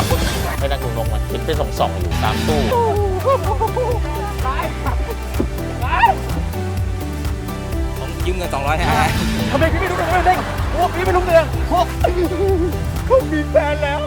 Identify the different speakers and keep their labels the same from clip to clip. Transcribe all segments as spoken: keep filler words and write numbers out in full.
Speaker 1: ให้นักดูนกมันเห็นเป็นส่องๆอยู่ตามตู้
Speaker 2: ผมยืมเงินสองร้อยให้
Speaker 3: ทำไมพี่ไม่รู้เรื่องไม่เด้งโอ้พี่ไม่รู้เรื่องโอ้เขามีแฟนแล้ว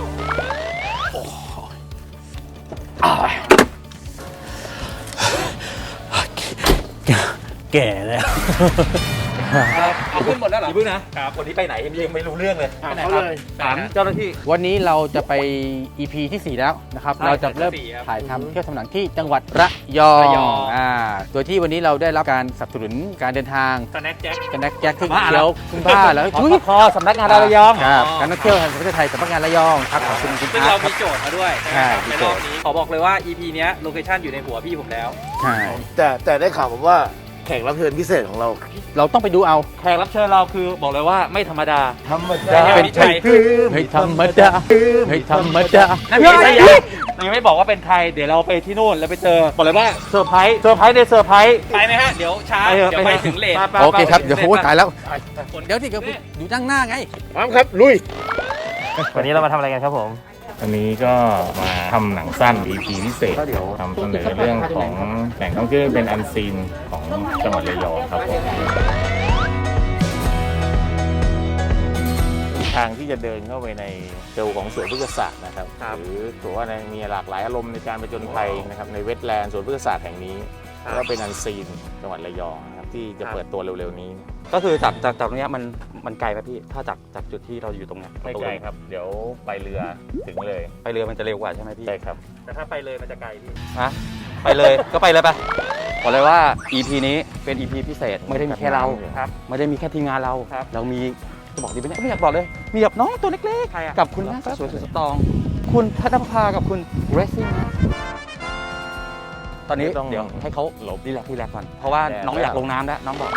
Speaker 3: แก่แล้ว
Speaker 2: เอาขึ้นหมดแล้วเหรอ
Speaker 3: อย่าเพิ่งนะครับวันนี้ไปไหนยังไม่รู้เรื่องเลย
Speaker 2: ถามเขาเลยถามเจ้าหน้าที่
Speaker 4: วันนี้เราจะไป อี พี ที่สี่แล้วนะครับ
Speaker 2: ใช่
Speaker 4: เราจะเริ่ม
Speaker 2: ที่สี่ครับ
Speaker 4: ถ่ายทำเที่ยวทำหนังที่จังหวัดระยอง
Speaker 2: ระยอง
Speaker 4: อ่าโดยที่วันนี้เราได้รับการสนับสนุนการเดินทาง
Speaker 2: สแน็คแจ็ค
Speaker 4: กันนักแจ็คขึ้น
Speaker 2: บ้า
Speaker 4: เที่ยวขึ้นผ้าแล้ว
Speaker 3: ขอ
Speaker 4: ทุย
Speaker 3: พอสำนักงานระยอง
Speaker 4: ครับการท่องเที่ยวแห่งประเทศไทยสำนักงานระยองครับขอบคุณคุณ
Speaker 2: ซึ่ง
Speaker 4: อา
Speaker 2: เรา
Speaker 4: ร์ตครั
Speaker 2: มี
Speaker 4: บ
Speaker 2: โจทย์มาด้วย
Speaker 4: ใช่
Speaker 2: ใน
Speaker 4: มี
Speaker 2: ร
Speaker 4: โจ
Speaker 2: อ
Speaker 4: ท
Speaker 2: บ
Speaker 4: ย์
Speaker 2: นี้ขอบอกเลยว่า อี พี เนี้ยโลเคชั่นอยู่ในหัวพี่ผมแล้ว
Speaker 4: ใช่
Speaker 5: แต่แต่ได้ข่าวมาว่าแขกรับเชิญพิเศษของเรา
Speaker 4: เราต้องไปดูเอา
Speaker 3: แขกรับเชิญเราคือบอกเลยว่าไม่ธรรมดา
Speaker 5: ธรรม
Speaker 2: ดา
Speaker 4: เป็นไทยไม่ธรรมดาไม่ธรรมดา
Speaker 3: นั่นพี่สยามยังไม่บอกว่าเป็นใครเดี๋ยวเราไปที่นู่นแล้วไปเจอบอกเลยว่าเซอร์ไพรส์เซอร์ไพรส์ในเซอร์ไพรส์
Speaker 2: ไปไหมฮะ เดี๋ยวช้า
Speaker 3: ไปเถอะ
Speaker 2: เดี๋ยวไปถึงเลท
Speaker 3: ไป
Speaker 4: โอเคครับเดี๋ยวโอ้ตายแล้ว
Speaker 2: คน
Speaker 4: เดี๋ยวที่เดี๋ยวอยู่นั่งหน้าไง
Speaker 5: พร้อมครับลุย
Speaker 3: วันนี้เรามาทำอะไรกันครับผม
Speaker 6: วันนี้ก็มาทำหนังสั้น อี พี พิเศษทำเสนอเรื่องของแหล่งท่องเที่ยวเป็นอันซีนของจังหวัดระยองครับผม
Speaker 1: ทางที่จะเดินเข้าไปในเซลล์ของสวนพฤกษศาสตร์นะครับหรือถือว่ามีหลากหลายอารมณ์ในการไปจนภัยนะครับในเวทแลนด์สวนพฤกษศาสตร์แห่งนี้ก็เป็นอันซีนจังหวัดระยองนะครับที่จะเปิดตัวเร็วๆนี้
Speaker 3: ก็คือจากจากจากตรงเนี้ยมันมันไกลไหมพี่ถ้าจากจากจุดที่เราอยู่ตรงเนี้ย
Speaker 1: ไม่ไกลครับ เดี๋ยวไปเรือถึงเลย
Speaker 3: ไปเรือมันจะเร็วกว่าใช่ไหมพี่
Speaker 1: ใช่ครับ
Speaker 2: แต่ถ้าไปเลยมันจะไกลพี่
Speaker 3: ฮะไปเลย ก็ไปเลยไปบอกเลยว่า อี พี นี้เป็น อี พี พิเศษไม่ได้มีแค่เรา
Speaker 2: ครับ
Speaker 3: ไม่ได้มีแค่ทีมงานเรา
Speaker 2: ครับ
Speaker 3: เรามีจะบอกดีไหมเนี่ยไม่อยากบอกเลย มีแบบน้องตัวเล็ก
Speaker 2: ใครอะ
Speaker 3: ๆกับคุณแม่สวยสุดสตรอง คุณพัฒนภากับคุณเรซซิ่งตอนนี้
Speaker 1: ไม่ต้อง
Speaker 3: เดี๋ยวให้เขา
Speaker 1: หลบ
Speaker 3: รีแลกซ์รีแลกซ์ก่อนเพราะว่า
Speaker 1: แดด
Speaker 3: น้องอยากลงน้ำแล้วน้องบอก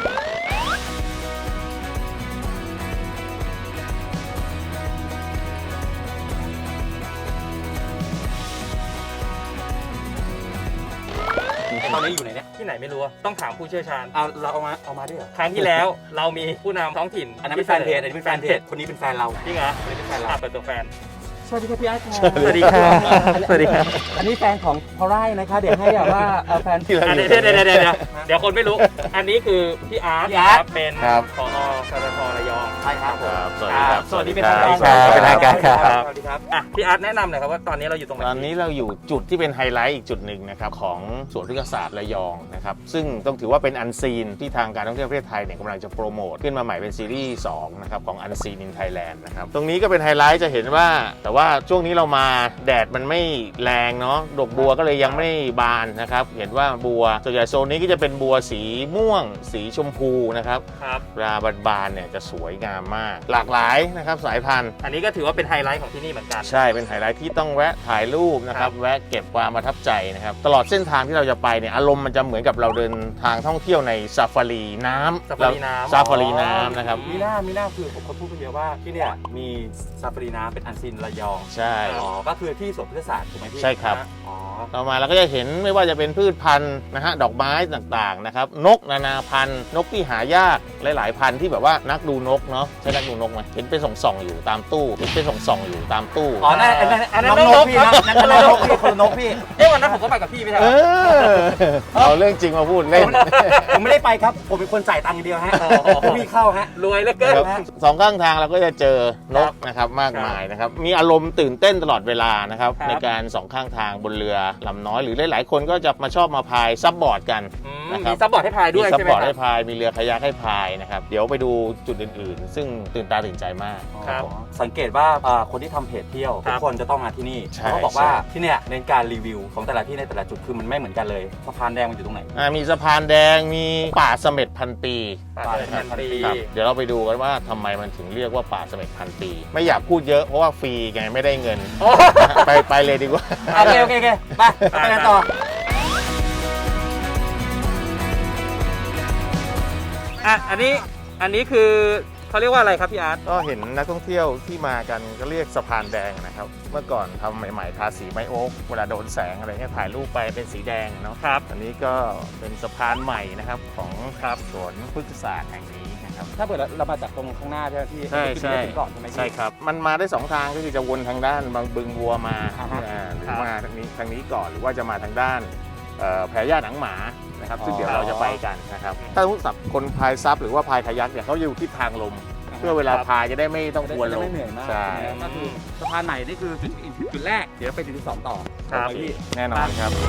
Speaker 2: ตอนนี้อยู่ไหนเนี่ยที่ไหนไม่รู้อะต้องถามผู้เชี่ยวชาญ
Speaker 3: เอาเราเอามาเอามาด้วยเหรอ
Speaker 2: ครั้งที่แล้วเรามีผู้นำท้องถิ่น
Speaker 3: อันนั้นเป็นแฟนเพจอันนี้เป็นแฟนเพจคนนี้เป็นแฟนเรา
Speaker 2: จริงเหรอ
Speaker 3: คนนี้เป็นแฟนเรา
Speaker 2: อ่ะเปิดตัวแฟน
Speaker 3: สวัสดีครับพี่อาร์ต
Speaker 2: สวัสดีครับสวัสดีครับ
Speaker 3: อันนี้แฟนของพอไร่นะคะ เดี๋ยวให้แบบว่าเอ่อแฟน
Speaker 2: อันนี้เดี๋ยวเดี๋ยวเดี๋ยวเดี๋ยวเดี๋ยวคนไม่รู้ อันนี้คือพี่อาร์ต
Speaker 3: พี่อาร์ต
Speaker 2: เป็น
Speaker 1: ครับ
Speaker 2: ผอสรทระยอง
Speaker 3: ใช่ครับผม
Speaker 1: ครับสวัสดีครับ
Speaker 2: สวัสดีเป็นทางการ
Speaker 1: ครับเป็นทางการครับ
Speaker 2: สวัสดีครับอ่ะพี่อาร์ตแนะนำหน่อยครับว่าตอนนี้เราอยู่ตรงไหน
Speaker 1: ตอนนี้เราอยู่จุดที่เป็นไฮไลท์อีกจุดหนึ่งนะครับของสวนพฤกษศาสตร์ระยองนะครับซึ่งต้องถือว่าเป็นอันซีนที่ทางการท่องเที่ยวประเทศไทยเนี่ยกำลังจะโปรโมทขึ้นมาใหม่เป็นซีรีส์สองนะครับของอันซีนอินไทยแลนด์นะครับตรงนี้ก็เป็นไฮไลท์จะเห็นว่าแต่ว่าช่วงนี้เรามาแดดมันไม่แรงเนาะดอกบัวก็เลยยังไม่บานนะครับเห็นว่าบัวส่วนใหญ่โซนนี้ก็จะเป็นบัวสีม่วง สีชมพูนะครับ
Speaker 2: ครับ
Speaker 1: เวลาบานๆเนี่ยจะสวยงามมาก หลากหลายนะครับสายพันธุ์
Speaker 2: อันนี้ก็ถือว่าเป็นไฮไลท์ของที่นี่เหมือนกัน
Speaker 1: ใช่เป็นไฮไลท์ที่ต้องแวะถ่ายรูปนะครับแวะเก็บความประทับใจนะครับตลอดเส้นทางที่เราจะไปเนี่ยอารมณ์มันจะเหมือนกับเราเดินทางท่องเที่ยวในซาฟารีน้ำ
Speaker 2: ซาฟารีน้ำ
Speaker 1: ซาฟารีน้ำนะครับ
Speaker 3: มีหน้ามีหน้าคือผมคนพูดไปเยอะว่าที่เนี่ยมีซาฟารีน้ำเป็นอันซีนระยอง
Speaker 1: ใช่
Speaker 3: อ๋อก็คือที่สวนพฤกษศาสตร์ถูกไหมพี่
Speaker 1: ใช่ครับ
Speaker 3: อ๋อ
Speaker 1: ต่อมาเราก็จะเห็นไม่ว่าจะเป็นพืชพันธุ์นะฮะดอกไม้ต่างๆนะครับนกนานาพันธุ์นกที่หายากหลายๆพันธุ์ที่แบบว่านักดูนกเนาะใช่นักดูนกไหมเห็นเป็นส่องๆอยู่ตามตู้เห็นเป็นส่องๆอยู่ตามตู้
Speaker 3: อ๋อนั่นอันนั้น
Speaker 2: อันนั้น
Speaker 3: น้อง
Speaker 2: น
Speaker 3: น
Speaker 2: ก
Speaker 3: กพี่
Speaker 2: ครั
Speaker 3: นะ
Speaker 2: บ
Speaker 3: นั่นน้องนกพี่คนละนกพี่
Speaker 2: เอ้วันนั้นผมก็ไปกับพี่ไม่ใช่
Speaker 1: เอ
Speaker 2: เหรอ
Speaker 1: อเอาเรื่องจริงมาพูดเล่น
Speaker 3: ผมไม่ได้ไปครับ ผมเป็นคนจ่ายตังค์อย่างเดียวฮะพี่เข้าฮะ
Speaker 2: รวยเหลือเกิน
Speaker 1: ครับสองข้างทางเราก็จะเจอนกนะครับมากมายนะครับมีอารมณ์ตื่นเต้นตลอดเวลานะครับ
Speaker 2: ครับ
Speaker 1: ในการสองข้างทางบนเรือลำน้อยหรือหลายๆคนก็จะมาชอบมาพายซับบอร์ดกัน
Speaker 2: อืม
Speaker 1: นะครับ
Speaker 2: มีซับบอร์ดให้พายด้วย
Speaker 1: มีซับ
Speaker 2: ใช่ไหม
Speaker 1: บอร์ด
Speaker 2: ครั
Speaker 1: ให้
Speaker 2: บ
Speaker 1: พายมีเรือคายักให้พายนะครับเดี๋ยวไปดูจุดอื่นๆ ซึ่งตื่นตาตื่นใจมาก
Speaker 2: ครับ
Speaker 3: สังเกตว่าอ่าคนที่ทำเพจเที่ยว
Speaker 2: ครั
Speaker 3: ทุ
Speaker 2: บ
Speaker 3: กคนจะต้องมาที่นี่
Speaker 1: ใช่
Speaker 3: เขาบอกว่า
Speaker 1: ใช่
Speaker 3: ที่เนี่ยในการรีวิวของแต่ละที่ในแต่ละจุดคือมันไม่เหมือนกันเลยสะพานแดงมันอยู่ตรงไหน
Speaker 1: อ่ามีสะพานแดงมีป่าเสม็ดพันปี
Speaker 2: ป่าเสม็ดพันปี
Speaker 1: ครับเดี๋ยวเราไปดูกันว่าทำไมมันถึงเรียกว่าป่าเสม็ดพันปี ไม่อยากพูดเยอะเพราะว่าฟรีไงไม่ได้เงิน
Speaker 2: โอ้
Speaker 1: ไปไปเลยดีกว่า
Speaker 3: โอเคโอเคโอเคไปไปกันต่อ
Speaker 2: อ่ะอันนี้อันนี้คือเขาเรียกว่าอะไรครับพี่อาร์ต
Speaker 1: ก็เห็นนักท่องเที่ยวที่มากันก็เรียกสะพานแดงนะครับ เมื่อก่อนทำใหม่ๆทาสีไม้โอ๊กเวลาโดนแสงอะไรเงี้ยถ่ายรูปไปเป็นสีแดงเนาะ
Speaker 2: ครับ
Speaker 1: อันนี้ก็เป็นสะพานใหม่นะครับของครับสวนพฤกษศาสตร์แห่งนี้นะครับ
Speaker 3: ถ้าเกิดเรามาจากตรงข้างหน้าใช่ไหมพี่
Speaker 1: ใช่ใช่
Speaker 3: ถึงก่อนใช่ไหมพี่
Speaker 1: ใช่ครับมันมาได้สองทางก็คือจะวนทางด้านบางบึงบัวมา
Speaker 3: อ่าฮะ
Speaker 1: อ่าหรื
Speaker 3: ครั
Speaker 1: อบ มาทางนี้ทางนี้ก่อนหรือว่าจะมาทางด้านเอ่อแพรย่าหนังหมานะครับซึ่ง
Speaker 3: อ๋อ
Speaker 1: เดี๋ยวเราจะไปกันนะครับถ้าสำหรับคนพายซับหรือว่าพายคายักเนี่ยเขาอยู่ที่ทางลม เพื่อเวลาพายจะได้ไม่ต้องกวนล
Speaker 3: จะ
Speaker 1: ม
Speaker 3: ไม่เหนื่อยมาก
Speaker 1: ใช่
Speaker 3: ก็คือสะพานใหม่นี่คือจุดจุดแรกเดี๋ยวไปจุดที่สองต่อ
Speaker 1: ครับ
Speaker 3: ไปพี่
Speaker 1: แน่นอนครับ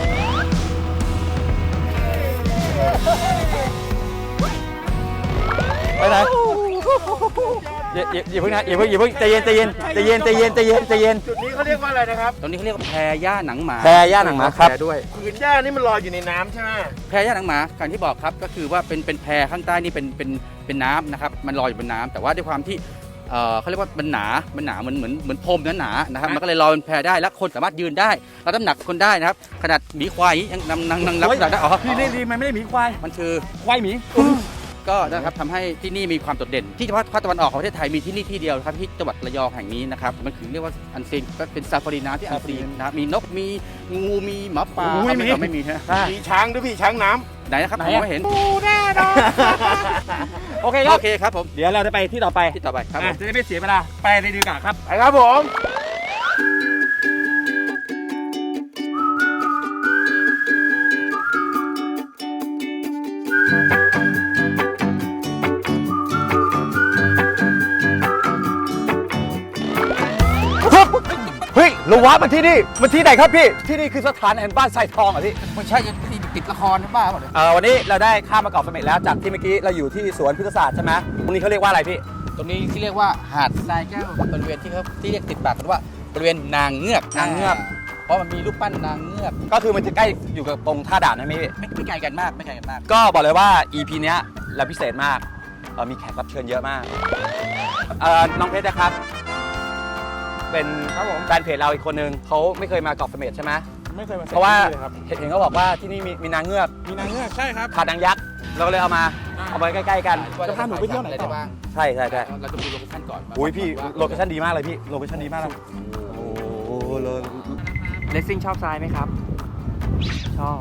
Speaker 4: ไปไหนอย่าอย่าอย่าเพิ่งนะอย่าเพิ่งอย่าเพิ่งใจเย็นใจเย็นใจเย็นใจเย็นใจเย็นใจเย็น
Speaker 5: จุดนี้เขาเรียกว่าอะไรนะครับ
Speaker 2: ตรงนี้เขาเรียกว่าแพรย่าหนังหมา
Speaker 4: แพรย่าหนังหมาครับ
Speaker 3: ด้วย
Speaker 5: ผืนหญ้านี่มันลอยอยู่ในน้ำใช่ไหม
Speaker 2: แพรย่าหนังหมาการที่บอกครับก็คือว่าเป็นเป็นแพรข้างใต้นี่เป็นเป็นเป็นน้ำนะครับมันลอยอยู่บนน้ำแต่ว่าด้วยความที่เอ่อเขาเรียกว่ามันหนา มันหนาเหมือนเหมือนเหมือนพรมหนาๆนะครับมันก็เลยลอยเป็นแพรได้และคนสามารถยืนได้รับน้ำหนักคนได้นะครับขนาดหมีควายยังนำนำนำรับน้ำหนักได้อ๋อ
Speaker 3: พี่เล่นดีมันไม่ได้หมีควาย
Speaker 2: มันคือ
Speaker 3: ควายหมี
Speaker 2: ก็นะครับทำให้ที่นี่มีความโดดเด่น ที่เฉพาะภาคตะวันออกของประเทศไทยมีที่นี่ที่เดียวครับที่จังหวัดระยองแห่งนี้นะครับมันคือเรียกว่าอันซีนก็เป็นซาฟารีน้ำที่อันซีนนะครับมีนกมีงูมีหมาป่า
Speaker 3: ไม่มี
Speaker 2: เอาไม่มีใช่ไหม
Speaker 5: มีช้างด้วยพี่ช้างน้ำ
Speaker 2: ไหนนะครับ
Speaker 3: ไหน
Speaker 2: ผม
Speaker 3: อะ
Speaker 2: ไม่เห็น
Speaker 3: โอเคครั
Speaker 2: โอบ เคครับผม
Speaker 3: เดี๋ยวเราจะไปที่ต่อไป
Speaker 2: ที่ต่อไปครับผ
Speaker 3: อ่ะ
Speaker 2: ม
Speaker 3: จะได้ไม่เสียเวลาไปเลยดีกว่าครับ
Speaker 5: ไปครับผม
Speaker 4: เฮ้ยเราว้ามาที่นี่มาที่ไหนครับพี่ที่นี่คือสถานแห่งบ้านทรายทองเหรอพี่
Speaker 2: ไม่ใช่ที่ติดละครนะบ้าเปล่าเนี่ย
Speaker 4: เอ่อวันนี้เราได้ข้ามมาเกาะเสม็ดแล้วจากที่เมื่อกี้เราอยู่ที่สวนพฤกษศาสตร์ใช่ไหมตรงนี้เขาเรียกว่าอะไรพี่
Speaker 2: ตรงนี้ที่เรียกว่าหาดทรายแก้วบริเวณที่เขาที่เรียกติดปากกันว่าบริเวณนางเงือก
Speaker 4: นางเงือก
Speaker 2: เพราะมันมีรูปปั้นนางเงือก
Speaker 4: ก็คือมันจะใกล้อยู่กับตรงท่าด่านนะพี่
Speaker 2: ไม่ไม่ไกลกันมากไม่ไกลกันมาก
Speaker 4: ก็บอกเลยว่า อี พี เนี้ยเราพิเศษมากเอ่อมีแขกรับเชิญเยอะมากเอ่อน้องเพชรนะครับ เป็นแฟนเพจเราอีกคนนึงเขาไม่เคยมาเกาะเสม็ดใช่ไหม
Speaker 3: ไม่เคยมา
Speaker 4: เพราะว่าเห็นเห็นเขาบอกว่าที่นี่มีมีนางเงือก
Speaker 3: มีนางเงือกใช่ครับ
Speaker 4: ขาดนางยักษ์เราก็เลยเอามาเอาไว้ใกล้ๆกัน
Speaker 3: จะพาหนูไปเที่ยวไหนต่อ
Speaker 2: ด้บ้าง
Speaker 4: ใช่ใช่ใช่
Speaker 2: เราจะดูโลเคชั่นก่อน
Speaker 4: อุ้ยพี่โลเคชั่นดีมากเลยพี่โลเคชั่นดีมากเลยโอ้โหเลย
Speaker 3: เลสซิ่งชอบทรายไหมครับ ชอบ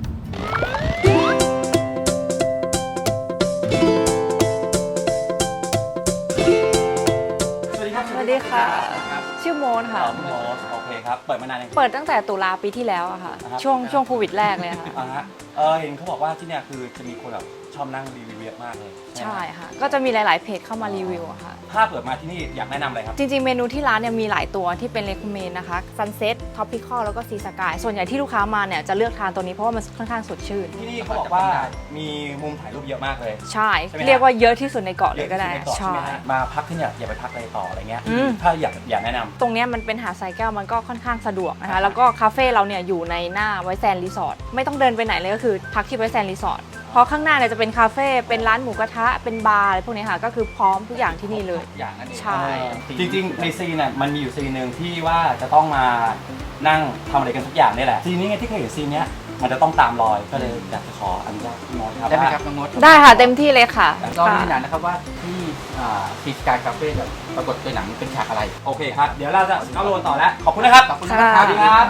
Speaker 4: สวัสดีครับ
Speaker 7: สวัสดีค่ะ ชื่อโมนค่ะ
Speaker 4: คุณหมอโอเคครับเปิดมานานยัง
Speaker 7: เปิดตั้งแต่ตุลาปีที่แล้วอะค่ะ
Speaker 4: อ่าฮะ
Speaker 7: ช่วงช่วงโควิดแรกเลยค่ะ
Speaker 4: อ่าฮะเออเห็นเขาบอกว่าที่เนี่ยคือจะมีคนแบบชอบนั่งรีวิวเยอะมากเลย
Speaker 7: ใช่ค่ะ ก็จะมีหลาย ๆ เพจเข้ามารีวิวอะค่ะ
Speaker 4: ถ้าเปิดมาที่นี่อยากแนะนำอะไรครับ
Speaker 7: จริง ๆ เมนูที่ร้านเนี่ยมีหลายตัวที่เป็น recommend นะคะ Sunset Tropical แล้วก็ Sea Sky ส่วนใหญ่ที่ลูกค้ามาเนี่ยจะเลือกทานตัวนี้เพราะว่ามันค่อนข้างสดชื่น
Speaker 4: ที่นี่เขาบอกว่ามีมุมถ่ายรูปเยอะมากเลย
Speaker 7: ใช่
Speaker 4: ใช่ไหมฮะ
Speaker 7: เรียกว่าเยอะที่สุดในเกาะเลยก็ได้
Speaker 4: เยอะที่สุในเกาะใช่ไหมฮะมาพักที่เนี่ยอย่าไปพักอะไรต่ออะไรเงี้ย
Speaker 7: อืม
Speaker 4: ถ้าอยากอยากแนะนำ
Speaker 7: ตรงเนี้ยมันเป็นหาดทรายแก้วมันก็ค่อนข้างสะดวกนะคะ แล้วก็คาเฟ่เราเนี่ยอยู่ในหน้าไวท์แซนด์รีสอร์ทไม่ต้องเดินไปไหนเลยก็คือพักที่ไวท์แซนด์รีสอร์ทเพราะข้างหน้าเนี่ยจะเป็นคาเฟ่เป็นร้านหมูกระทะเป็นบาร์อะไรพวกนี้ค่ะก็คือพร้อมทุกอย่างที่นี่เลย
Speaker 2: อย่างนั้นเอง
Speaker 7: ใช่
Speaker 4: จริงๆ ในซีนน่ะมันมีอยู่ซีนหนึ่งที่ว่าจะต้องมานั่งทำอะไรกันทุกอย่างนี่แหละซีนนี้ไงที่เคยเห็นซีนเนี้ยมันจะต้องตามรอยก็เลยอยากจะขออนุญาตพี่มอสครับ
Speaker 2: ได้ไหม
Speaker 4: ว่า
Speaker 2: ครับน้องมด
Speaker 7: ได้ค่ะเต็มที่เลยค่ะ
Speaker 2: ก็มีหนังนะครับว่าที่ซีสกายคาเฟ่แบบปรากฏในหนังเป็นฉากอะไร
Speaker 4: โอเคครับ เดี๋ยวเราจะเข้าโรนต่อแล้ว ขอบคุณนะครับ
Speaker 2: ขอบคุณมาก
Speaker 7: ค่ะ
Speaker 2: สวัสดีครับ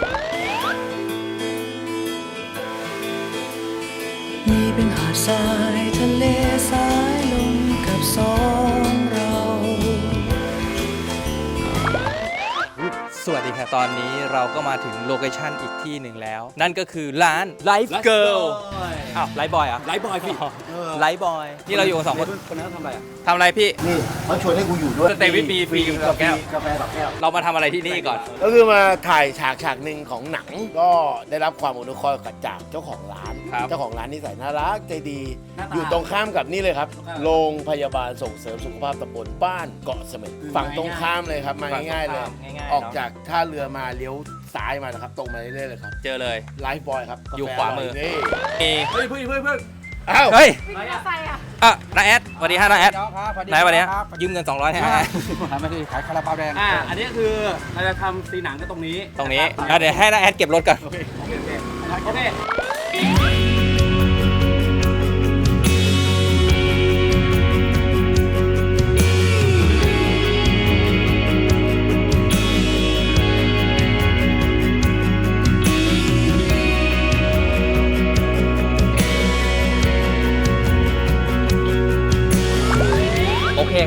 Speaker 8: นี่เป็นหาดทรายทะเลสายลมกับสองเรา
Speaker 9: สวัสดีค่ะ ตอนนี้เราก็มาถึงโลเคชั่นอีกที่หนึ่งแล้ว นั่นก็คือร้าน Life Girl อ้าวไลฟ์บอยอ่ะ
Speaker 2: ไลฟ์บอยพี่
Speaker 9: ไลฟ์บอยนี่เราอยู่กันสองคน
Speaker 3: คนนั้นทำอะไรอ่ะ
Speaker 9: ทำอะไรพี่
Speaker 5: นี่เขาชวนให้กูอยู่ด้วย
Speaker 9: สเตย์วิทมีฟรีกับแก้ว
Speaker 5: กาแฟสองแก้ว
Speaker 9: เรามาทำอะไรที่นี่ก่อน
Speaker 5: ก็คือมาถ่ายฉากฉากหนึ่งของหนัง ก็ได้รับความอนุเคราะห์จากเจ้าของร้าน
Speaker 9: ครับ
Speaker 5: เจ้าของร้านนิสัยน่ารักใจดี
Speaker 3: หน้าตา
Speaker 5: อยู่ตรงข้ามกับนี่เลยครับ โรงพยาบาลส่งเสริมสุขภาพตำบลบ้านเกาะเสม็ดฝั่งตรงข้ามเลยครับ มาง่ายๆเลย
Speaker 9: ง่ายๆ
Speaker 5: ออก
Speaker 9: เนาะ
Speaker 5: จากท่าเรือมาเลี้ยวซ้ายมานะครับ ตรงมาเรื่อยๆเลยครับ
Speaker 9: เจอเลย
Speaker 5: ไลฟ์บอยครับ
Speaker 9: อยู่
Speaker 5: กแฟ
Speaker 9: ขวามือ
Speaker 5: ร่นี่
Speaker 9: มี
Speaker 3: เฮ้ยเพื่อนเพื่อนเพื่อน
Speaker 5: อ้าว
Speaker 9: เฮ้ย
Speaker 7: ใส่อะ
Speaker 9: อ่ะน้าแอดสวัสดีฮะน้าแอด
Speaker 2: ครับสวัสดี
Speaker 9: ไหนวันนี้
Speaker 2: ครับ
Speaker 9: ยืมเงินสองร้อยให้
Speaker 2: ไม่ได้ขายคาราบาวแดง
Speaker 3: อ่าอันนี้คือเราจะทำซีนหนังก็ตรงนี้
Speaker 9: ตรงนี้อ่ะเดี๋ยวให้น้าแอดเก็บรถก่อน
Speaker 3: โอเคโอเคโอเคโอเค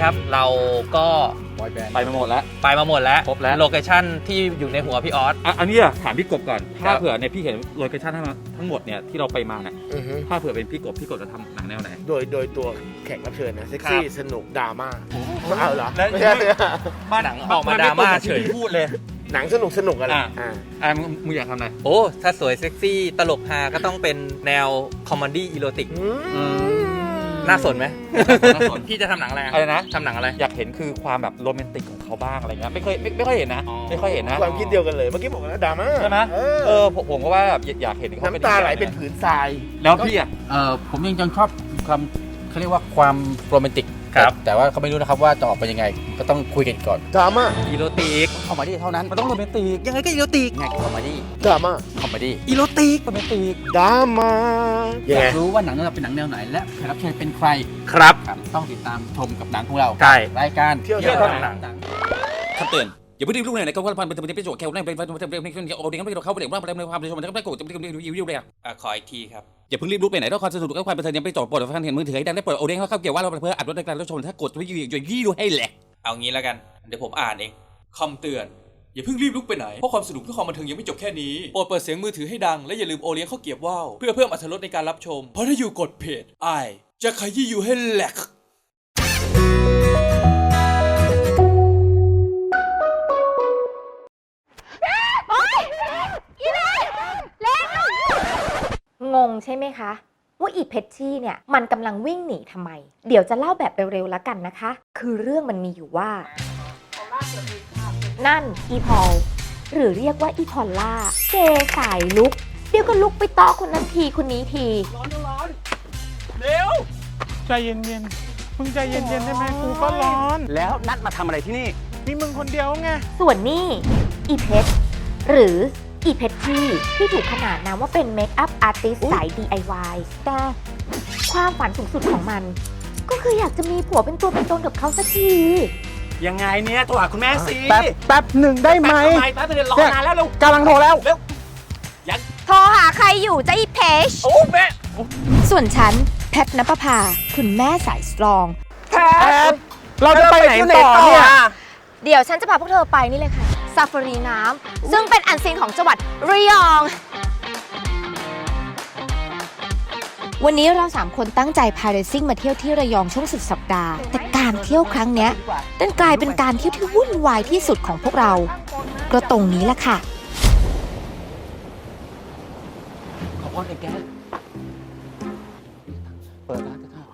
Speaker 9: ครับ เราก็
Speaker 3: ไปมาหมดแล้ว
Speaker 9: ไปมาหมดแล้ว
Speaker 3: ครบแล้ว
Speaker 9: โลเคชั่นที่อยู่ในหัวพี่ออส
Speaker 3: อ่ะอันนี้อะถามพี่กบก่อน
Speaker 9: ครั
Speaker 3: ถ้า
Speaker 9: บ
Speaker 3: เผื่อเนี่ยพี่เห็นโลเคชั่นทั้งทั้งหมดเนี่ยที่เราไปมาเนี่ย
Speaker 5: อือฮึ
Speaker 3: ถ้าเผื่อเป็นพี่กบพี่กบจะทำหนังแนวไหน
Speaker 5: โดยโดยตัวแขกรับเชิญนะเซ็ก
Speaker 9: ครั
Speaker 5: ซี่
Speaker 9: บ
Speaker 5: สนุกดราม่าเอาเหรอ
Speaker 3: แล้ว
Speaker 5: ไม่ใช่
Speaker 9: หนังออกมาดราม่าเฉย
Speaker 3: พี่พูดเลย
Speaker 5: หนังสนุกสนุกอะไร
Speaker 3: อ่ะ
Speaker 5: อ่า
Speaker 3: อ่ะมึงมึงอยากทำอะไร
Speaker 9: โอ้ ถ้าสวยเซ็กซี่ตลกฮาก็ต้องเป็นแนวคอมเมดี้อีโรติก
Speaker 5: อืม
Speaker 9: น่าสนไหม
Speaker 3: น่าสน
Speaker 9: พี่จะทำหนังอะไร
Speaker 3: อะไรนะ
Speaker 9: ทำหนังอะไร
Speaker 3: อยากเห็นคือความแบบโรแมนติกของเขาบ้างอะไรเงี้ยไม่เคยไม่ไม่ค่อยเห็นนะ
Speaker 9: อ๋อ
Speaker 3: ไม่ค่อยเห็นนะ
Speaker 5: ความคิดเดียวกันเลยเมื่อกี้บอกแล้วดราม่า
Speaker 3: ใช่ไหม
Speaker 5: เอ
Speaker 3: เอ
Speaker 5: อ
Speaker 3: อผมผมก็ว่าแบบอยากเห็นเขาเป็น
Speaker 5: น้ำตาไหลเป็นผืนทราย
Speaker 3: แล้วพี่อ่ะ
Speaker 2: เอ่อผมยังยังชอบความเขาเรียกว่าความโรแมนติก
Speaker 9: ครับ
Speaker 2: แต่แต่ว่าเขาไม่รู้นะครับว่าจะออกเป็นยังไง ก็ต้องคุยกันก่อน
Speaker 5: ดราม่า
Speaker 9: อีโรติก
Speaker 2: คอมเมดี้เท่านั้น
Speaker 3: มันต้องโรแมนติก
Speaker 9: ยังไงก็อีโรติก
Speaker 2: ง่ายคอมเมดี้
Speaker 5: ดราม่า
Speaker 2: คอมเมดี้
Speaker 9: อีโรติก
Speaker 2: โรแมนติก
Speaker 5: ดราม่ายัง
Speaker 2: อยา
Speaker 5: ไง
Speaker 2: กรู้ว่าหนังของเราเป็นหนังแนวไหน และแขกรับเชิญเป็นใคร
Speaker 9: ครับ
Speaker 2: ครับต้องติดตามชมกับหนังของเรา
Speaker 9: ใช่
Speaker 2: รายการ
Speaker 5: เที่ยว
Speaker 9: เที่ยว
Speaker 5: เท่า
Speaker 9: เท่า
Speaker 5: นั้
Speaker 9: นั้น น
Speaker 4: คำเตือนอย่าเพิ่งรีบลุกเลยนะครับว่าพันเป็นเป็นประโยชน์แค่ในเป็นเป็นเป็นเป็นโอ้เด็กไม่เข้าไปเด็กว่าเป็นความเป็นชมมันก็โกรธจะเป็นวิววิวเลยอ่ะ
Speaker 9: อ่ะขออีกทีครับ
Speaker 4: อย่าเพิ่งรีบลุกไปไหนถ้าความสนุกและความบันเทิงยังไปจอดปลดฟังเห็นมือถือให้ดังได้ปลดโอเด้งเข้าเกี่ยวว่าเราเพื่ออัดรถในการรับชมถ้ากดวิวอยู่ยี่ดูให้แหลก
Speaker 9: เอางี้แล้วกัน เดี๋ยวผมอ่านเองคำเตือน อย่าเพิ่งรีบลุกไปไหน เพราะความสนุกและความบันเทิงยังไม่จบแค่นี้ โปรดเปิดเสียงมือถือให้ดัง และอย่าลืมโอเลี้ยงข้าวเกรี๊ยวว่าวเพื่อเพิ่มอรรถรสในการรับชม เพราะถ้าอยู่กดเพจไอายจะขยี้อยู่ให้แหลก
Speaker 10: งงใช่ไหมคะ ว่าอีเพชชี่เนี่ยมันกำลังวิ่งหนีทำไม เดี๋ยวจะเล่าแบบเร็วๆแล้วกันนะคะ คือเรื่องมันมีอยู่ว่า นั่นอีพอลหรือเรียกว่าอีพอลล่าเกย์สายลุก เดี๋ยวก็ลุกไปต่อคนนั้นทีคนนี้ที
Speaker 11: ใจเย็นๆ มึงใจเย็นๆได้ไหมกูก็ร้อน
Speaker 4: แล้วนัดมาทำอะไรที่นี่
Speaker 11: มีมึงคนเดียวไง
Speaker 10: ส่วนนี่อีเพชหรืออีเพชชี่ที่ถูกขนานนามว่าเป็นเมคอัพอาร์ติสสาย ดี ไอ วาย แต่ความฝันสูงสุดของมัน ก็คืออยากจะมีผัวเป็นตัวเป็นตนกับเขาสักที
Speaker 4: ยังไงเนี่ยโทรหาคุณแม่สิ
Speaker 11: แป๊บแป๊บหนึ่งได้ไหม
Speaker 4: ทำไมแป๊บเดียวรอนานแล้วลูก
Speaker 11: กำลังโทรแล้ว
Speaker 10: โทรหาใครอยู่จะอีเพช
Speaker 4: โอ้แม่
Speaker 10: ส่วนฉัน แพทนปภา คุณแม่สายสตรอง
Speaker 11: แพทเราจะไปไหนต่อเนี่ย
Speaker 10: เดี๋ยวฉันจะพาพวกเธอไปนี่เลยค่ะซาฟารีน้ำซึ่งเป็นอันซีนของจังหวัดระยอง วันนี้เราสามคนตั้งใจพาเรซิ่งมาเที่ยวที่ระยองช่วงสุดสัปดาห์ แต่การเที่ยวครั้งเนี้ยดันกลายเป็นการเที่ยวที่วุ่นวายที่สุดของพวกเรา ก็ตรงนี้แหละค่ะ
Speaker 2: ขอพรไอ้แกเปิดร้านจะเข้า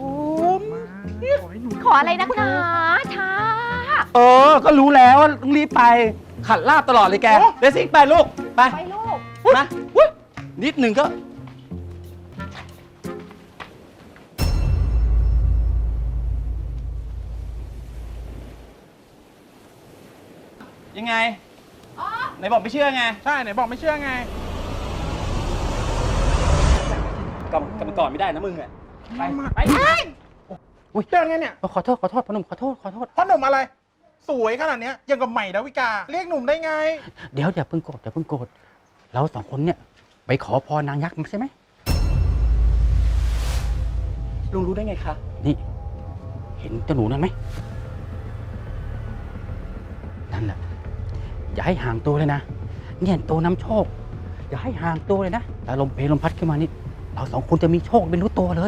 Speaker 10: ขออะไรนักหนาช้า
Speaker 2: เออ ก็รู้แล้วว่าต้องรีบไป ขัดลาบตลอดเลยแกเดซิ่งไปลูก ไป
Speaker 10: ไปลูก
Speaker 2: มาอุ๊ยนิดหนึ่งก็
Speaker 3: ยังไงไหนบอกไม่เชื่อไง
Speaker 11: ใช่ไหนบอกไม่เชื่อไง
Speaker 3: กลับกลับมาก่อนไม่ได้นะมึงอ่ะ
Speaker 11: ไปไปอุ้ยเดินไงเนี่ย
Speaker 2: ขอโทษ ขอโทษพอหนุ่มขอโทษ ขอโทษ
Speaker 11: พ่อหนุ่มอะไร สวยขนาดเนี้ยยังกับใหม่ดาวิกา เรียกหนุ่มได้ไง
Speaker 2: เดี๋ยวอย่าเพิ่งโกรธอย่าเพิ่งโกรธเราสองคนเนี่ย ไปขอพรนางยักษ์มาใช่ไหม
Speaker 3: ลุงรู้ได้ไงคะ
Speaker 2: นี่ เห็นเจ้าหนูนั่นไหมนั่นแหละ อย่าให้ห่างตัวเลยนะ เนี่ยตัวนำโชค อย่าให้ห่างตัวเลยนะแต่ลมเพลลมพัดขึ้นมานี่ เราสองคนจะมีโชคเป็นรู้ตัวเลย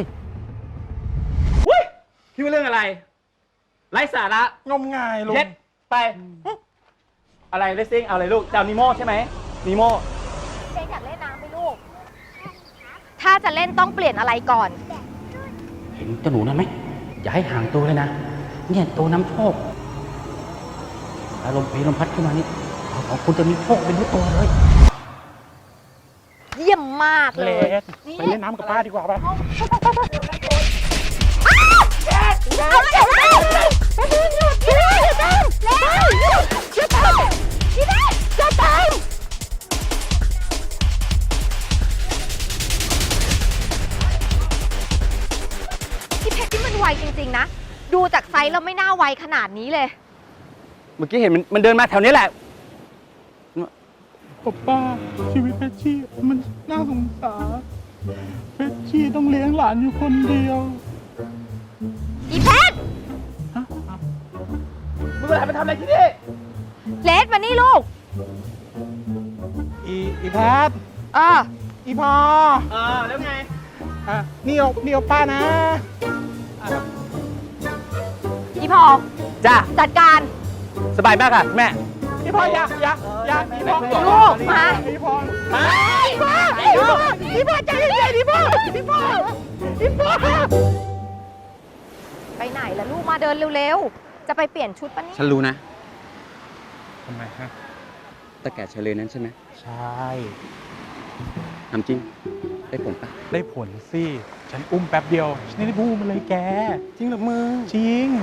Speaker 3: พี่ว่าเรื่องอะไร ไร้สาระ
Speaker 11: งมงายลุง
Speaker 3: เย็ดไป อะไรเลสซิ่งเอาอะไรลูกจะเอานิโม่ใช่ไหมนิโม่
Speaker 10: เจ๊อยากเล่นน้ำไหมลูก ถ้าจะเล่นต้องเปลี่ยนอะไรก่อน
Speaker 2: เห็นเจ้าหนูนั่นไหม อย่าให้ห่างตัวเลยนะ เนี่ยตัวนำโชคแต่ลมเพลลมพัดขึ้นมานี่ เราสองคนจะมีโชคเป็นรู้ตัวเลย
Speaker 10: เยี่ยมมาก
Speaker 11: เล
Speaker 10: เลย
Speaker 11: สไปเล่นน้ำกับป้าดีกว่าป่ะ
Speaker 10: เอาเลยเอาเลยพี่เล่อย่าตามเร็วอย่าตามพี่เล่อย่าตามพี่เพชรที่มันไวจริงๆนะ ดูจากไซส์แล้วไม่น่าไวขนาดนี้เลย
Speaker 4: เมื่อกี้เห็นมันมันเดินมาแถวนี้แหละ
Speaker 11: ผมป้าชีวิตเพชรชี่มันน่าสงสารเพชรชี่ต้องเลี้ยงหลานอยู่คนเดียว
Speaker 10: อีเพชร
Speaker 3: มึงอะไรมาทำอะไรที่นี่
Speaker 10: เลสมานี่ลูก
Speaker 11: อีอีแพท
Speaker 10: เออ
Speaker 11: อีพอ
Speaker 3: เออ แล้วไง
Speaker 11: อ่ะนี่เอานี่เอาป้านะ
Speaker 10: อีพอ
Speaker 4: จ้า
Speaker 10: จัดการ
Speaker 4: สบายมากค่ะแม่
Speaker 11: อีพออย่าอย่าอย่าอีพอ
Speaker 10: ลูกมา
Speaker 11: อีพออีพออีพออีพอใจเย็นๆอีพออีพออีพอ
Speaker 10: ไปไหนล่ะลูกมาเดินเร็วๆ จะไปเปลี่ยนชุดปะเนี่ย
Speaker 4: ฉันรู้นะ
Speaker 11: ทำไมฮะ
Speaker 4: ตะแก่เฉลยนั้นใช่ไหม
Speaker 11: ใช่
Speaker 4: ทำจริง ได้ผลปะ
Speaker 11: ได้ผลสิ ฉันอุ้มแป๊บเดียว ฉันได้บูมมาเลยแก
Speaker 4: จริงหรือมึง
Speaker 11: จริง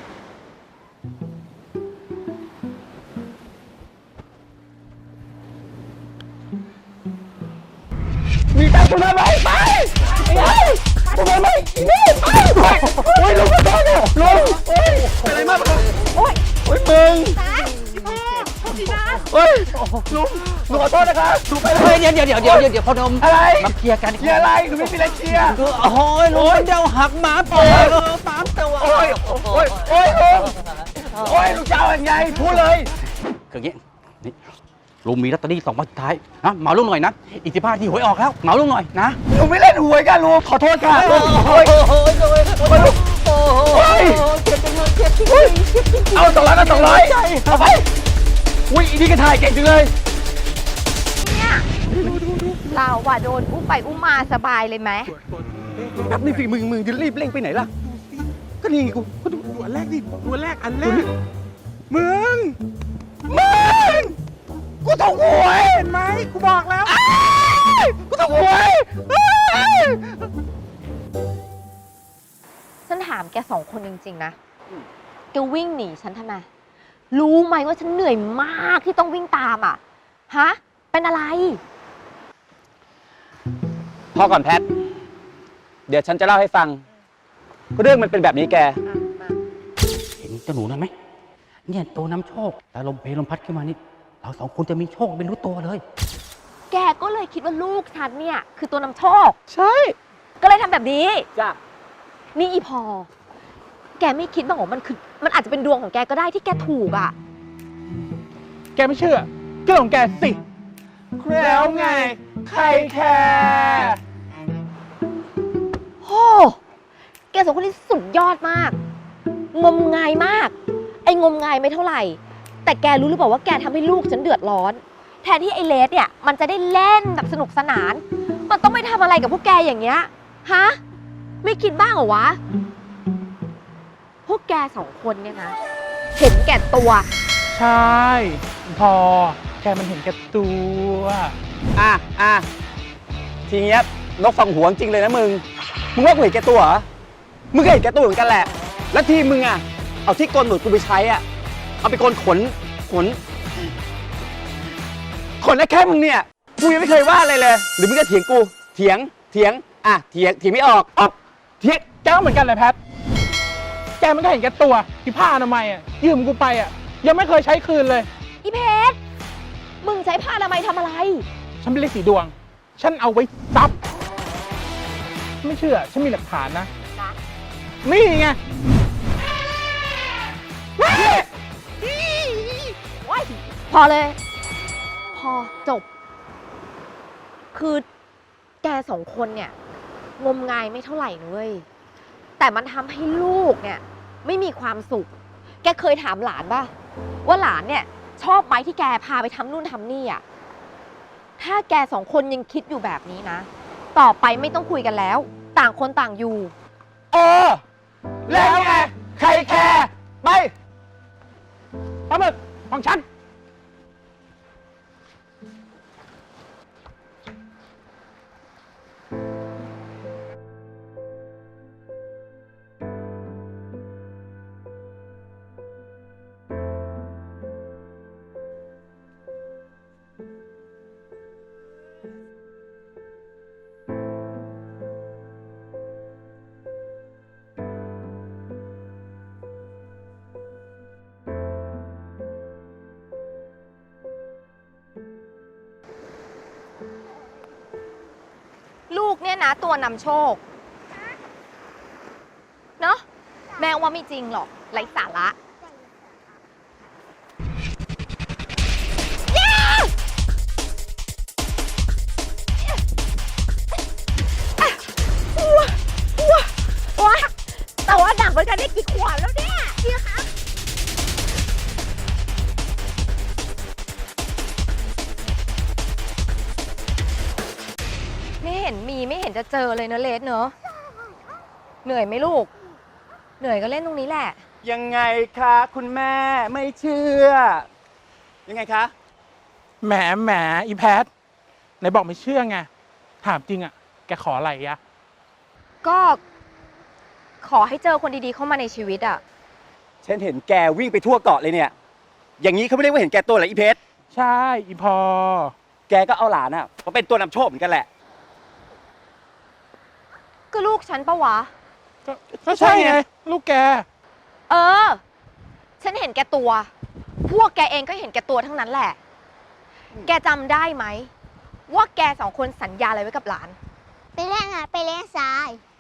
Speaker 3: มีตังค์คุณมาไหมไปไปคุณมาไหมนี่ไปไปโอ้ยลุงขอโทษเนี่ยลุงโอ้ยเป็นอะไรมากลุงโอ้ยโอ้ยมึงโอ้ยลุงลุงขอโทษนะครับลุงไปเลย
Speaker 2: เดี๋ยวเดี๋ยวเดี๋ยวเดี๋ยวเดี๋ยวเดี๋ยวพอนม
Speaker 3: อะไร
Speaker 2: มาเคลียร์กัน
Speaker 3: เคลียร์อะไรหนูไม่มีอะไรเคลียร์
Speaker 2: โอ้ยลุงเดี๋ยวหักหมาปล่อยหมาตัว
Speaker 3: โอ้ยโอ้ยโอ้ยลุงโอ้ยลุงจะเอาอย่างไงพูดเลย
Speaker 2: คืออย่างงี้นี่ลุงมีลอตเตอรี่สองใบสุดท้ายนะเหมาลุงหน่อยนะอีกสิบห้าทีหวยออกแล้วเหมาลุงหน่อยนะ
Speaker 3: หนูไม่เล่นหวยกันลุงขอโทษค่ะลุงโอ้ยโอ้ยโอ้ยโอ้ยโอ้ยเอาสองร้อยก็สองร้อยเอาไปอุ้ยอีนี่ก็ถ่ายเก่งจังเลย
Speaker 10: เราว่าโดนอุ้มไปอุ้มมาสบายเลยไหม
Speaker 4: นับนี่ฝีมือมึงจะรีบเร่งไปไหนล่ะ ก็นี่ไงกู
Speaker 11: ก็ดูดูอันแรกดิดูอันแรกอันแรกมึง มึง กูถูกหวยเห็นไหมกูบอกแล้วกูถูกหวย
Speaker 10: ฉันถามแกสองคนจริงๆนะแกวิ่งหนีฉันทำไม รู้ไหมว่าฉันเหนื่อยมากที่ต้องวิ่งตามอ่ะ ฮะ เป็นอะไร
Speaker 4: พ่อก่อนแพท เดี๋ยวฉันจะเล่าให้ฟัง เรื่องมันเป็นแบบนี้แก
Speaker 2: เห็นเจ้าหนูนั่นไหมเนี่ยตัวน้ำโชคแล้วลมเพลลมพัดขึ้นมานี่เราสองคนจะมีโชคไม่รู้ตัวเลย
Speaker 10: แกก็เลยคิดว่าลูกฉันเนี่ย คือตัวนำโชค
Speaker 11: ใช่
Speaker 10: ก็เลยทำแบบนี้
Speaker 4: จ้ะ
Speaker 10: นี่อีพอ แกไม่คิดบ้างเหรอมันคือ มันอาจจะเป็นดวงของแกก็ได้ที่แกถูกอ่ะ
Speaker 11: แกไม่เชื่อเรื่องของแกสิแล้วไง ใครแคร์
Speaker 10: โอ้แกสองคนนี้สุดยอดมาก งมงายมาก ไอ้งมงายไม่เท่าไหร่ แต่แกรู้หรือเปล่าว่าแกทำให้ลูกฉันเดือดร้อน แทนที่ไอ้เลสเนี่ย มันจะได้เล่นแบบสนุกสนาน มันต้องไปทำอะไรกับพวกแกอย่างเงี้ย ฮะ ไม่คิดบ้างเหรอวะ พวกแกสองคนเนี่ยนะ เห็นแก่ตัว
Speaker 11: ใช่ พอ แกมันเห็นแก่ตัว
Speaker 4: อ่ะอ่ะทีเนี้ยนกฟังหัวจริงเลยนะมึง มึงว่ากูเห็นแก่ตัวเหรอ มึงก็เห็นแก่ตัวเหมือนกันแหละ แล้วทีมึงอ่ะ เอาที่โกนหนวดกูไปใช้อ่ะ เอาไปโกนขน ขน ขนแค่มึงเนี่ย กูยังไม่เคยว่าอะไรเลย หรือมึงก็เถียงกู เถียง เถียง อ่ะ เถียง เถียงไม่ออกออกเถียง
Speaker 11: แกก็เหมือนกันเลยแพท แกมันก็เห็นแก่ตัวที่ผ้าอนามัยอ่ะยืมกูไปอ่ะยังไม่เคยใช้คืนเลย
Speaker 10: อีเพชร มึงใช้ผ้าอนามัยทำอะไร
Speaker 11: ฉันเป็นเลขสีดวง ฉันเอาไว้ซับ ไม่เชื่อ ฉันมีหลักฐานนะ นี่ไง
Speaker 10: พอเลย พอจบ คือแกสองคนเนี่ย งมงายไม่เท่าไหร่นะเว้ย แต่มันทำให้ลูกเนี่ย ไม่มีความสุข แกเคยถามหลานป่ะ ว่าหลานเนี่ย ชอบไหมที่แกพาไปทำนู่นทำนี่อ่ะ ถ้าแกสองคนยังคิดอยู่แบบนี้นะ ต่อไปไม่ต้องคุยกันแล้ว ต่างคนต่างอยู่
Speaker 3: เออ แล้วไง ใครแคร์ไป
Speaker 11: ปลาหมึกของฉัน
Speaker 10: ลูกเนี่ยนะตัวนำโชค เนอะแม่ว่าไม่จริงหรอกไร้สาระห็นมีไม่เห็นจะเจอเลยเนอะเลสเนอะเหนื่อยไหมลูก เหนื่อยก็เล่นตรงนี้แหละ
Speaker 4: ยังไงคะคุณแม่ไม่เชื่อ ยังไงคะ
Speaker 11: แหมแหมอีแพทไหนบอกไม่เชื่อไง ถามจริงอะแกขออะไรอะ
Speaker 10: ก็ขอให้เจอคนดีๆเข้ามาในชีวิตอะ
Speaker 4: ฉันเห็นแกวิ่งไปทั่วเกาะเลยเนี่ย อย่างนี้เขาไม่เรียกว่าเห็นแกตัวเหรออีเพชร
Speaker 11: ใช่อีพอ
Speaker 4: แกก็เอาหลานอ่ะมาเป็นตัวนำโชคเหมือนกันแหละ
Speaker 10: ก็ลูกฉันปะวะ
Speaker 11: ก็ก็ใช่ไง ลูกแก
Speaker 10: เออ ฉันเห็นแกตัว พวกแกเองก็เห็นแกตัวทั้งนั้นแหละ แกจำได้ไหมว่าแกสองคนสัญญาอะไรไว้กับหลาน
Speaker 12: ไปเล่นอ่ะไปเล่นทราย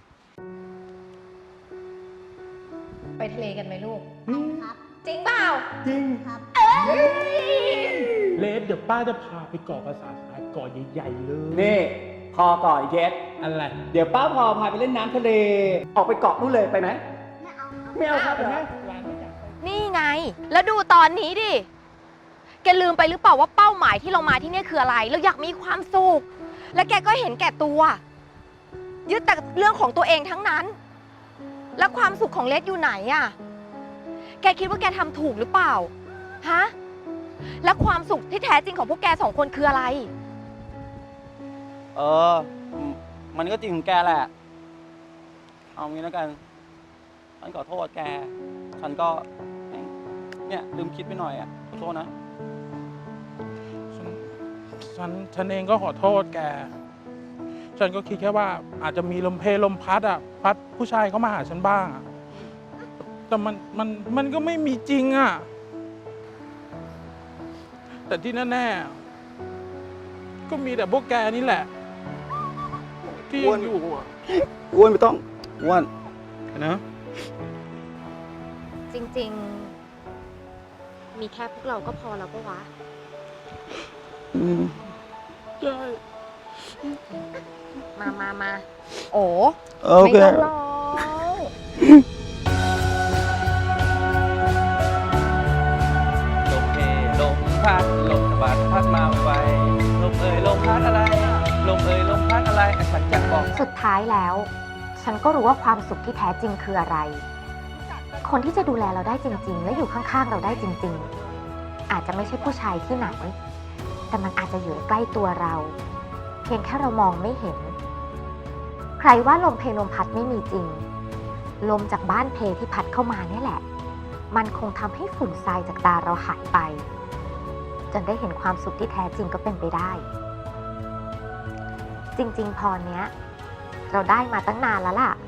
Speaker 10: ไปทะเลกันไหมลูก
Speaker 12: ครับ
Speaker 10: จริงเปล่า
Speaker 11: จริง
Speaker 12: ครับ
Speaker 11: เลสเดี๋ยวป้าจะพาไปเกาะภาษาทรายเกาะใหญ่ๆเลย
Speaker 4: นี่ พอก่อนอีเพชร
Speaker 11: อะไร
Speaker 4: เดี๋ยวป้าพอพาไปเล่นน้ำทะเล ออกไปเกาะนู่นเลยไปไหม
Speaker 12: ไม่เอาครับ
Speaker 4: ไม่เอาครับเหรอ
Speaker 10: นี่ไง แล้วดูตอนนี้ดิ แกลืมไปหรือเปล่าว่าเป้าหมายที่เรามาที่เนี่ยคืออะไร เราอยากมีความสุข และแกก็เห็นแก่ตัว ยึดแต่เรื่องของตัวเองทั้งนั้น แล้วความสุขของเลสอยู่ไหนอะแกคิดว่าแกทำถูกหรือเปล่า ฮะ และความสุขที่แท้จริงของพวกแกสองคนคืออะไร
Speaker 4: เออ มันก็จริงของแกแหละ เอางี้แล้วกัน ฉันขอโทษแก ฉันก็ เนี่ยลืมคิดไปหน่อยอ่ะ ขอโทษนะ
Speaker 11: ฉันฉันฉันเองก็ขอโทษแก ฉันก็คิดแค่ว่าอาจจะมีลมเพลลมพัดอ่ะ พัดผู้ชายเข้ามาหาฉันบ้างอะแต่มันมันมันก็ไม่มีจริงอ่ะ แต่ที่แน่ๆก็มีแต่พวกแกนี่แหละ ที่ยังอยู่อ่ะ
Speaker 4: อ้วนไม่ต้อง อ้วนนะ
Speaker 10: จริงๆ มีแค่พวกเราก็พอแล้วปะวะ
Speaker 4: อืม
Speaker 11: ใช่
Speaker 10: มามามาโอ้
Speaker 4: โอเค
Speaker 10: ไม่ต้องร้อง
Speaker 4: ลมเพลมพัดลมพัดพัดมาไวลมเอ่ยลมพัดอะไร ลมเอ่ยลมพัดอะไรฉันจะบอก
Speaker 10: สุดท้ายแล้ว ฉันก็รู้ว่าความสุขที่แท้จริงคืออะไร คนที่จะดูแลเราได้จริงๆ และอยู่ข้างๆเราได้จริงๆ อาจจะไม่ใช่ผู้ชายที่ไหน แต่มันอาจจะอยู่ใกล้ตัวเรา เพียงแค่เรามองไม่เห็น ใครว่าลมเพลลมพัดไม่มีจริง ลมจากบ้านเพที่พัดเข้ามาเนี่ยแหละ มันคงทำให้ฝุ่นทรายจากตาเราหายไป จนได้เห็นความสุขที่แท้จริงก็เป็นไปได้ จริงๆ พรเนี้ย เราได้มาตั้งนานแล้วล่ะ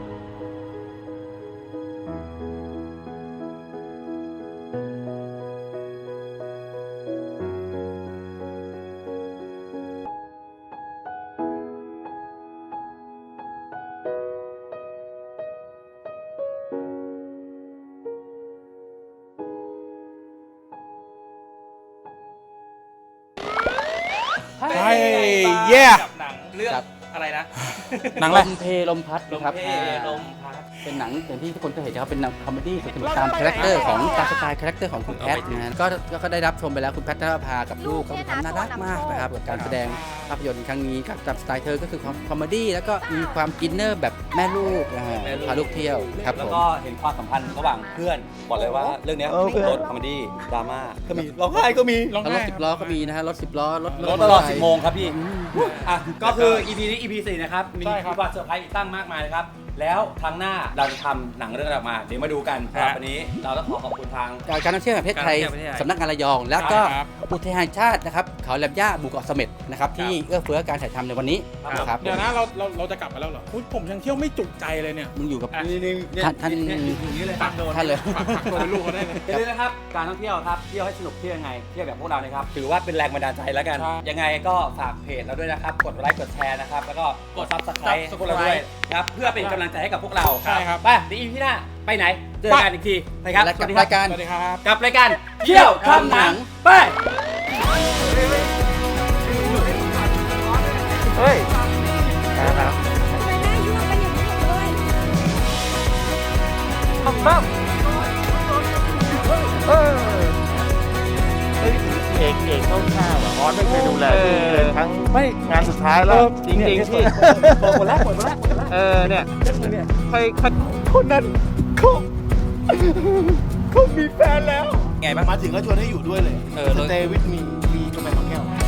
Speaker 11: ใช่เย่
Speaker 2: กับหนังเรื่องอะไรนะ
Speaker 11: หนังอะไร
Speaker 2: ลมเพลมพัดนะครับ
Speaker 5: ลมเพลมพัด
Speaker 2: เป็นหนังอย่างที่ทุกคนเคยเห็นนะครับเป็นหนังคอมเมดี้สนุกตามคาแรคเตอร์ของตามสไตล์คาแรคเตอร์ของคุณแพทนะฮะก็ก็ได้รับชมไปแล้วคุณแพทนภากับลูกก็ทำน่ารักมากนะครับกับการแสดงภาพยนตร์ครั้งนี้กับตามสไตล์เธอก็คือคอมเมดี้แล้วก็มีความอินเนอร์แบบแม่ลูกนะฮะพาลูกเที่ยวครับผ
Speaker 4: แล้ว
Speaker 2: ม
Speaker 4: ก็เห็นความสัมพันธ์ระหว่างเพื่อน บอกเลยว่าเรื่องเนี้ย
Speaker 2: โอเค
Speaker 4: รถคอมเมดี้ดราม่าก็มีร้องไห้ก็มี
Speaker 11: ร้อง
Speaker 2: แล้วร
Speaker 11: ไห้
Speaker 2: ถสิบล้อก็มีนะฮะรถสิบล้อรถ
Speaker 4: รถตลอดสิบโมงครับพี่
Speaker 2: อืม
Speaker 4: อ่ะก็คือ อี พี นี้ อี พี สี่นะครับ มี
Speaker 11: ใช่ครับ
Speaker 4: มีความเซอร์ไพรส์อีกตั้งมากมายนะครับ แล้วครั้งหน้าเราจะทำหนังเรื่องอะไรออกมา เดี๋ยวมาดูกันสำหรับวันนี้เราต้องขอขอบคุณทาง
Speaker 2: การท่องเที่ยวแห่งประเทศไทย
Speaker 4: การท่องเที่ยวแห่งประเทศไทย
Speaker 2: สำนักงานระยอง แล้วก็
Speaker 11: ครับ
Speaker 2: อุทยานแห่งชาตินะครับเขาแหลมย่าหมู่เกาะเสม็ดนะครับที่เอื้อเฟื้อการถ่ายทำในวันนี้นะครับ
Speaker 11: เดี๋ยวนะเราเราเราจะกลับมาแล้วเหรออุ๊ยผมยังเที่ยวไม่จุใจเลยเนี่ย
Speaker 2: มึงอยู่กับ
Speaker 4: นี่นี่เนี่ย
Speaker 2: ท่านท่าน
Speaker 4: เนี่ยอยู่ตรงนี้เลย
Speaker 11: ฝาก
Speaker 4: โดน
Speaker 2: ท่านเลย
Speaker 11: ฝากฝากตัวเป็นลูกเขาได้เลย
Speaker 4: อย่าลืมนะครับ การท่องเที่ยวครับ เที่ยวให้สนุกเที่ยวยังไง เที่ยวแบบพวกเรานะครับ ถือว่าเป็นแรงบันดาลใจแล้วกัน
Speaker 11: ใช่
Speaker 4: ยังไงก็ฝากเพจเราด้วยนะครับ กดไลค์ กดแชร์นะครับ แล้วก็กดซับสไครต์พวกเราด้วยนะครับ เพื่อเป็นกำลังใจให้กับพวกเรา
Speaker 11: ใช่ครับ
Speaker 4: ไปเดี๋ยวอีพีหน้า ไปไหน เจอกันอีกทีไปครับ
Speaker 2: และ
Speaker 4: ส
Speaker 2: กั
Speaker 4: วั
Speaker 2: บ
Speaker 4: สดีครั
Speaker 2: รายการ
Speaker 11: สวัสดีครับ
Speaker 4: กับรายการเที่ยวทำหนัง ไป เฮ้ยนะครับทำบ้างเออเฮ้ย
Speaker 1: อกเอกเข้าข้าวอ่ะออสไม่เคยดูแลพี่เลยทั้ง
Speaker 4: ไม่
Speaker 1: งานสุดท้ายแล้วจริงๆที่
Speaker 4: หมดแล้วหมดแล้วหมดแล้ว
Speaker 1: เออเนี่ย
Speaker 4: ใครใครคนนั้นเขาเขามีแฟนแล้ว
Speaker 2: ไงบ้าง
Speaker 5: มาถึงก็ชวนให้อยู่ด้วยเลย
Speaker 2: เออ
Speaker 5: สเตย์วิทมีมีกาแฟสองแก้ว